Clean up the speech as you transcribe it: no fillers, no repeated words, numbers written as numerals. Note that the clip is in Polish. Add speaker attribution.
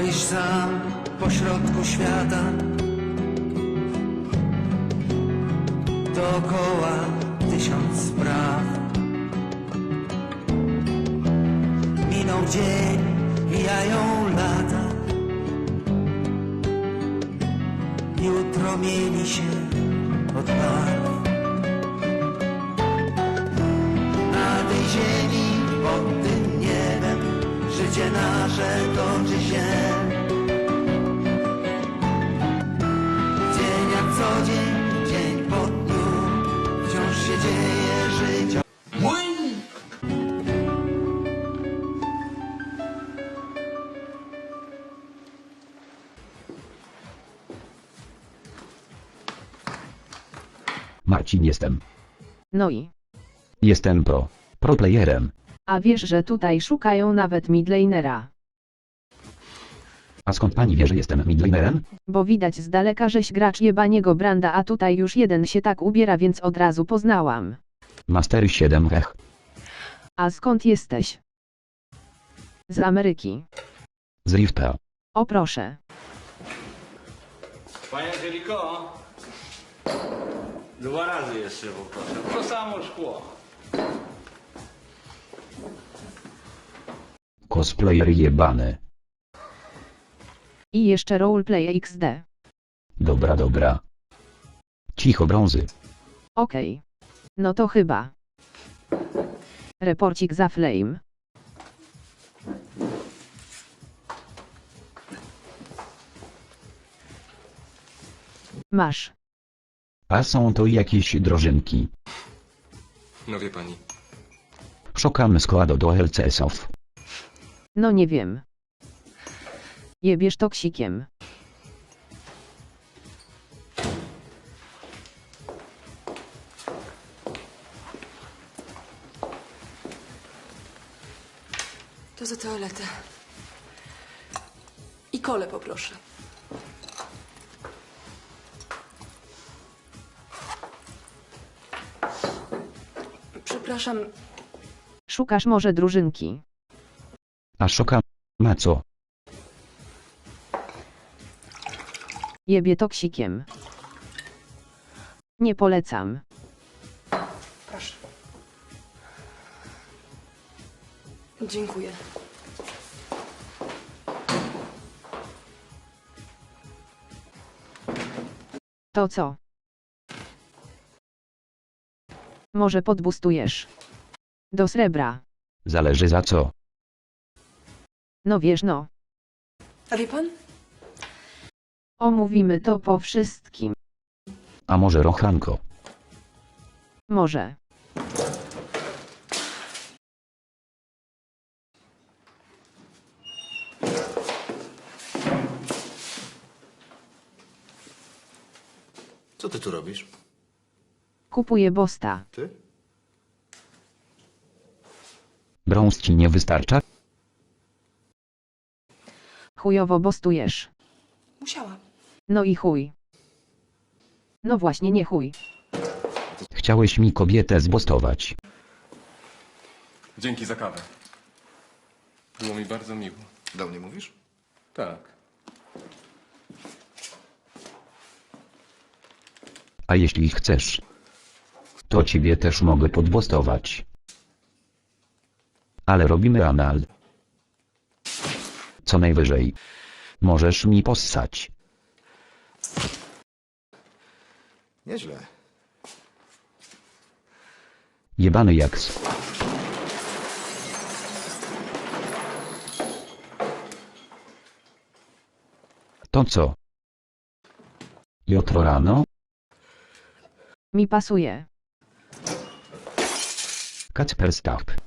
Speaker 1: Stoisz sam pośrodku świata, dookoła tysiąc spraw. Minął dzień, mijają lata, jutro mieni się od barw. Na tej ziemi, pod tym niebem, życie nasze toczy się. Dzień jak co dzień, dzień po dniu, wciąż się dzieje życie.
Speaker 2: Marcin jestem.
Speaker 3: No i?
Speaker 2: Jestem pro playerem.
Speaker 3: A wiesz, że tutaj szukają nawet midlanera.
Speaker 2: A skąd pani wie, że jestem midlanerem?
Speaker 3: Bo widać z daleka, żeś gracz jebaniego Branda, a tutaj już jeden się tak ubiera, więc od razu poznałam.
Speaker 2: Master 7 hech.
Speaker 3: A skąd jesteś? Z Ameryki.
Speaker 2: Z Rifta.
Speaker 3: O proszę.
Speaker 4: Panie Angeliko, 2 razy jeszcze poproszę. To samo szkło.
Speaker 2: Cosplayer jebany.
Speaker 3: I jeszcze roleplay XD.
Speaker 2: Dobra. Cicho brązy.
Speaker 3: Okej. No to chyba. Reporcik za Flame. Masz.
Speaker 2: A są to jakieś drożynki.
Speaker 5: No wie pani.
Speaker 2: Szukamy składu do LCS-ów.
Speaker 3: No nie wiem. Jebiesz toksikiem.
Speaker 6: To za toaletę. I kole poproszę. Przepraszam,
Speaker 3: Szukasz może drużynki.
Speaker 2: A szukam... Ma co?
Speaker 3: Jebie toksikiem. Nie polecam.
Speaker 6: proszę. Dziękuję.
Speaker 3: To co? Może podbustujesz. Do srebra.
Speaker 2: Zależy za co.
Speaker 3: No wiesz no.
Speaker 6: A wie pan?
Speaker 3: Omówimy to po wszystkim.
Speaker 2: A może rochanko?
Speaker 3: Może.
Speaker 5: Co ty tu robisz?
Speaker 3: Kupuję bosta.
Speaker 5: Ty?
Speaker 2: Brąz ci nie wystarcza?
Speaker 3: Chujowo bostujesz.
Speaker 6: Musiałam.
Speaker 3: No i chuj. No właśnie nie chuj.
Speaker 2: Chciałeś mi kobietę zbostować.
Speaker 5: Dzięki za kawę. Było mi bardzo miło. Do mnie mówisz? Tak.
Speaker 2: A jeśli chcesz, to ciebie też mogę podbostować. Ale robimy anal. Co najwyżej możesz mi possać.
Speaker 5: Nieźle.
Speaker 2: Jebany jaks. To co? Jutro rano?
Speaker 3: Mi pasuje.
Speaker 2: Kacper Stap.